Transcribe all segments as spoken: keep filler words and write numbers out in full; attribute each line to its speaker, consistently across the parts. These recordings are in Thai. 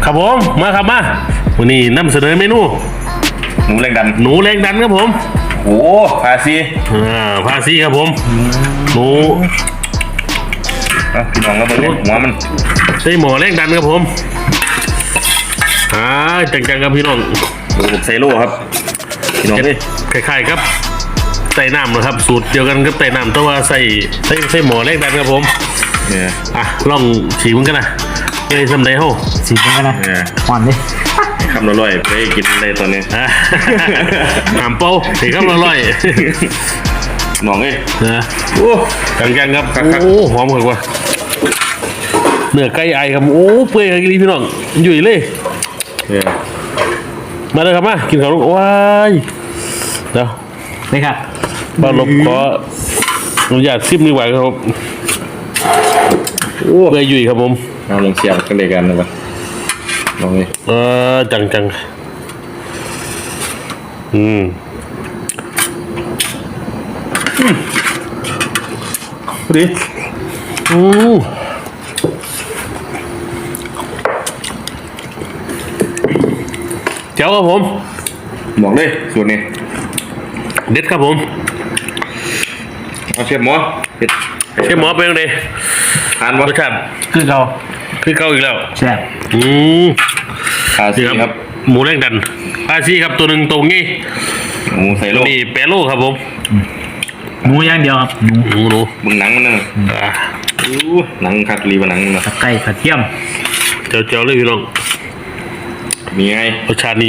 Speaker 1: ครับผมมาครับมาวันนี้นำเสนอเมนู
Speaker 2: หนูแรงดัน
Speaker 1: หนูแรงดันครับผม
Speaker 2: โอ้พาซี
Speaker 1: อ่าพาซีครับผมหนู
Speaker 2: อ่ะพี่น้องก็มาเล่นหัวมัน
Speaker 1: ใส่หมอแรงดันครับผมอ่าจังๆครับพี่น้อง
Speaker 2: ดูบุกไซโร่ครับพี่น้อง
Speaker 1: เห็น
Speaker 2: เอ้ย
Speaker 1: คล้ายๆครับใส่น้ำนะครับสูตรเดียวกันกับใส่น้ำแต่ว่าใส่ใส่ใส่หมอแรงดันครับผม
Speaker 2: เนี่ย
Speaker 1: อ่ะลองฉีกมันกันนะเอ้ยสำเร็จเฮ้า
Speaker 3: สีมันกันนะ
Speaker 2: เนี่ย
Speaker 3: หวานดิ
Speaker 2: คำละร้อยไปกินได้ตอนนี้
Speaker 1: อ่ะ หามเป้าถีครับอร่อย
Speaker 2: น้องเอ้ย
Speaker 1: นะ
Speaker 2: โอ้
Speaker 1: จังๆครับ
Speaker 2: ครับ
Speaker 1: โอ้หอมกว่าเนื้อไก่ไอครับโอ้เปื่อยกันพี่น้องอยู่เลย
Speaker 2: เนี่ย
Speaker 1: มาเลยครับมากินข้าวลูกว้ายเดี๋ยว
Speaker 3: นี่ครับ
Speaker 1: ป้าลบขออนุญาตซิมดีกว่าครับ
Speaker 2: โอ้
Speaker 1: เปื่อยยุ่ยครับผม
Speaker 2: เอาลงเสียบกันเลยกันนะวะน้องเอ้ย
Speaker 1: เออจังจังอืมดิอืมเจ้าครับผม
Speaker 2: บอกเลยสูตรนี้
Speaker 1: เด็ดครับผม
Speaker 2: เอาเชฟหมอเผ็ด
Speaker 1: เชฟหมอเป็นยังไง
Speaker 2: ทาน
Speaker 1: ร
Speaker 2: วะ
Speaker 1: สชาติ
Speaker 3: คือเรา
Speaker 1: คือเก่าอีกแล้ว
Speaker 3: แซ่บ
Speaker 1: อืม
Speaker 2: พาซี
Speaker 1: นี่
Speaker 2: ครับ
Speaker 1: หมูแรงดันอาซีครับตัวหนึ่งตรงนี้
Speaker 2: หมูไซโร่
Speaker 1: นี่แปรโลครับผม
Speaker 3: หมูอย่างเดียวครับหมู
Speaker 1: หมูหนู
Speaker 2: มึงหนังมันนึง
Speaker 1: อ่า
Speaker 2: อู้หนังคัดรีบหนังมันนะ
Speaker 3: ตะไคร้กระเทียม
Speaker 1: เจ้าเจ้าเลยพี่น้อง
Speaker 2: มีไง
Speaker 1: รสชาตินี้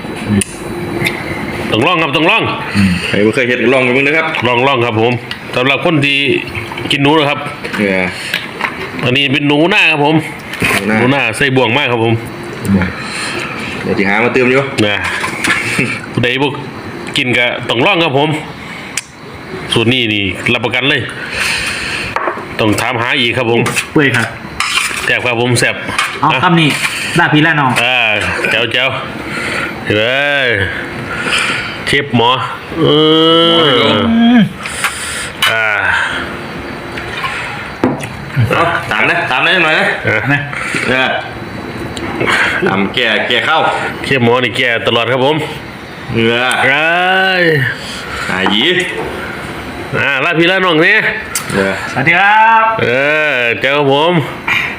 Speaker 1: ต้องลองครับต้องลอง
Speaker 2: ใครไม่เคยเห็นลองไปมึงนะครับ
Speaker 1: ลองลองครับผมสำหรับคนที่กินหนูนะครับ
Speaker 2: เนี่ย
Speaker 1: อันนี้เป็นหนูหน้าครับผม
Speaker 2: หน้า
Speaker 1: หนูหน้าใส่บ่วงมากครับผม
Speaker 2: เดี๋ยวที่หามาเติมอยู่
Speaker 1: นะผู้ใดบุกกินก็ต้องลองครับผมสูตรนี้นี่รับประกันเลย ต้องถามหาอีกครับผม
Speaker 3: เปื่อยครับ
Speaker 1: แซ่บครับผมแซ่บ
Speaker 3: เอา
Speaker 1: อ่ะ
Speaker 3: คำนี้ลาพี่ละน้อง
Speaker 1: อ่าเจ้าเจ้าเฮ้ยเชฟหมอเอออ่า
Speaker 2: เอาตามนะตามได้หน่อยนะ
Speaker 3: นะ
Speaker 2: เนี่ยตามแก่แก่เข้า
Speaker 1: เชฟหมอนี่แก่ตลอดครับผม
Speaker 2: เนื้อ
Speaker 1: ไอ้
Speaker 2: หาหยี
Speaker 1: อ่าลาพี่ลาน้องเนี่ย
Speaker 2: เนื้อ
Speaker 3: สวัสดีครับ
Speaker 1: เออเจ้าครับผม